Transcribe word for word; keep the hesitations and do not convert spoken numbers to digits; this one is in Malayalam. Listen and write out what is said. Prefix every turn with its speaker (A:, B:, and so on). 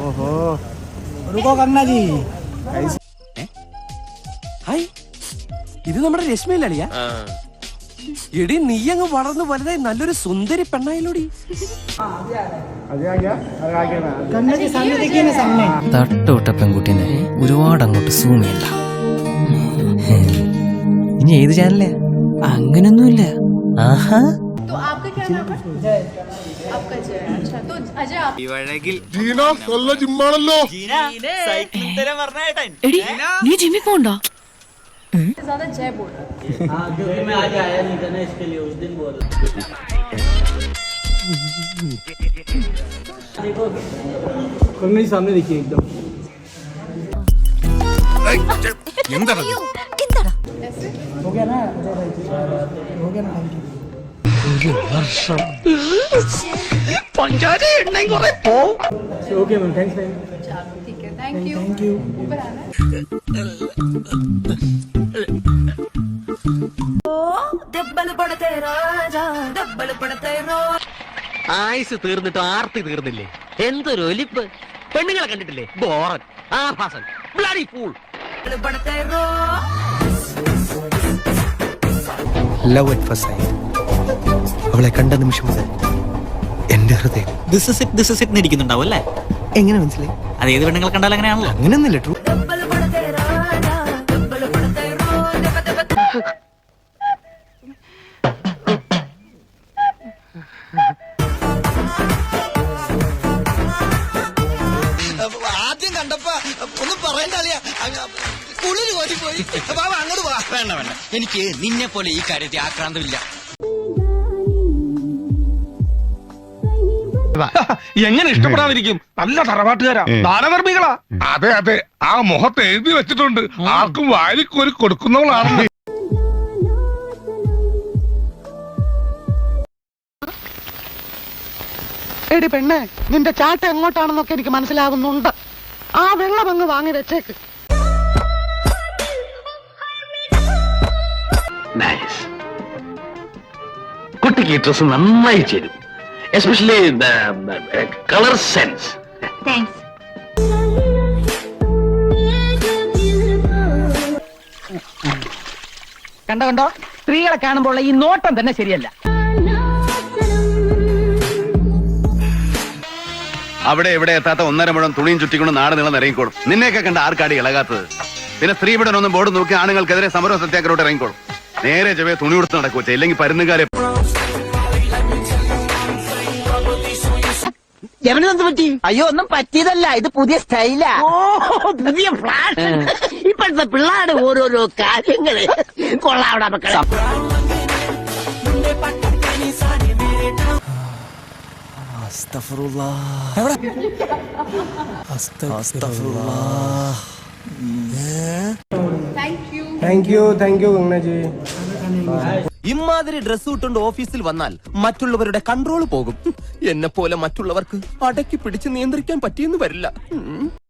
A: ओहो रुको करना जी
B: ഹായ് ഇത് നമ്മുടെ രശ്മിയിലളിയാ എടി നീ അങ്ങ് വളർന്നു വലുതായി നല്ലൊരു സുന്ദരി പെണ്ണായില്ലോടി
C: തട്ടോട്ട പെൺകുട്ടീനെ ഒരുപാട് അങ്ങോട്ട് സൂം ചെയ്യണ്ട. ഇനി ഏത് ചാനലേ? അങ്ങനൊന്നുമില്ല. ആഹാ
D: നീ ജിമ്മിൽ പോണ്ടോ?
E: जय बोल हाँ क्योंकि मैं आज आया नहीं था ना इसके लिए उस दिन बोल
A: करना जी सामने देखिए एकदम हो गया ना हो गया ना ओके मैम थैंक्स मैम
E: ठीक है थैंक यू
A: थैंक यू
E: ऊपर आना
F: ആയുസ് തീർന്നിട്ട് ആർത്തി തീർന്നില്ലേ? എന്തൊരു ഒലിപ്പ്! പെണ്ണുങ്ങളെ കണ്ടിട്ടില്ലേ? ബോറൻ, ആഭാസൻ, bloody fool.
C: Love at first sight. അവളെ കണ്ട നിമിഷം മുതൽ എന്റെ ഹൃദയം
G: this is it this is it ഇരിക്കുന്നുണ്ടാവും അല്ലേ?
C: എങ്ങനെ മനസ്സിലായി?
G: അത് ഏത് പെണ്ണുങ്ങളെ കണ്ടാലും അങ്ങനെയാണല്ലോ.
C: അങ്ങനെയൊന്നുമില്ല. ട്രൂ.
B: ആദ്യം കണ്ടപ്പോ ഒന്നും പറയണ്ടറിയാ കുളിര് കോരി പോയി അങ്ങോട്ട് പോവാ. വേണ്ട വേണ്ട, എനിക്ക് നിന്നെ പോലെ ഈ കാര്യത്തിൽ ആക്രാന്തമില്ല.
H: എങ്ങനെ ഇഷ്ടപ്പെടാതിരിക്കും? നല്ല തറവാട്ടുകാരാ, ദാനധർമ്മികളാ. അതെ അതെ, ആ മുഖത്ത് എഴുതി വെച്ചിട്ടുണ്ട് ആർക്കും വാരിക്കോരി കൊടുക്കുന്നവളാണ്.
I: എടി പെണ്ണെ, നിന്റെ ചാട്ട എങ്ങോട്ടാണെന്നൊക്കെ എനിക്ക് മനസ്സിലാവുന്നുണ്ട്. ആ വെള്ളം അങ്ങ് വാങ്ങി വെച്ചേക്ക്.
F: കുട്ടിക്ക് ഈ ഡ്രസ് നന്നായി ചേരും, എസ്പെഷ്യലി കളർ സെൻസ്.
I: കണ്ടോ കണ്ടോ, സ്ത്രീകളെ കാണുമ്പോൾ ഈ നോട്ടം തന്നെ ശരിയല്ല.
J: അവിടെ എവിടെ എത്താത്ത ഒന്നര മുഴം തുണിയും ചുറ്റിക്കൊണ്ട് നാട് നീളം ഇറങ്ങിക്കോളും. നിന്നെയൊക്കെ കണ്ട ആർക്കാടി ഇളകാത്തത്? പിന്നെ സ്ത്രീപീഡനൊന്നും ബോർഡ് നോക്കി ആണുങ്ങൾക്കെതിരെ സമരം സത്യാഗ്രഹോട്ട് ഇറങ്ങിക്കോളും. നേരെ ചെവേ തുണി കൊടുത്ത് നടക്കൂ, ഇല്ലെങ്കിൽ പരുന്നുകാരെ.
I: അയ്യോ ഒന്നും പറ്റിയതല്ല, ഇത് പുതിയ സ്റ്റൈലാ. പുതിയ ഫ്ലാഷ്. ഇപ്പോഴത്തെ പിള്ളേരുടെ ഓരോരോ കാര്യങ്ങള് കൊള്ളാവിടെ മക്കളെ.
A: थैंक यू थैंक यू गंगना जी.
B: ഇമാതിരി ഡ്രസ് ഇട്ടുകൊണ്ട് ഓഫീസിൽ വന്നാൽ മറ്റുള്ളവരുടെ കൺട്രോൾ പോകും. എന്നെ പോലെ മറ്റുള്ളവർക്ക് അടക്കി പിടിച്ച് നിയന്ത്രിക്കാൻ പറ്റിയെന്ന് വരില്ല.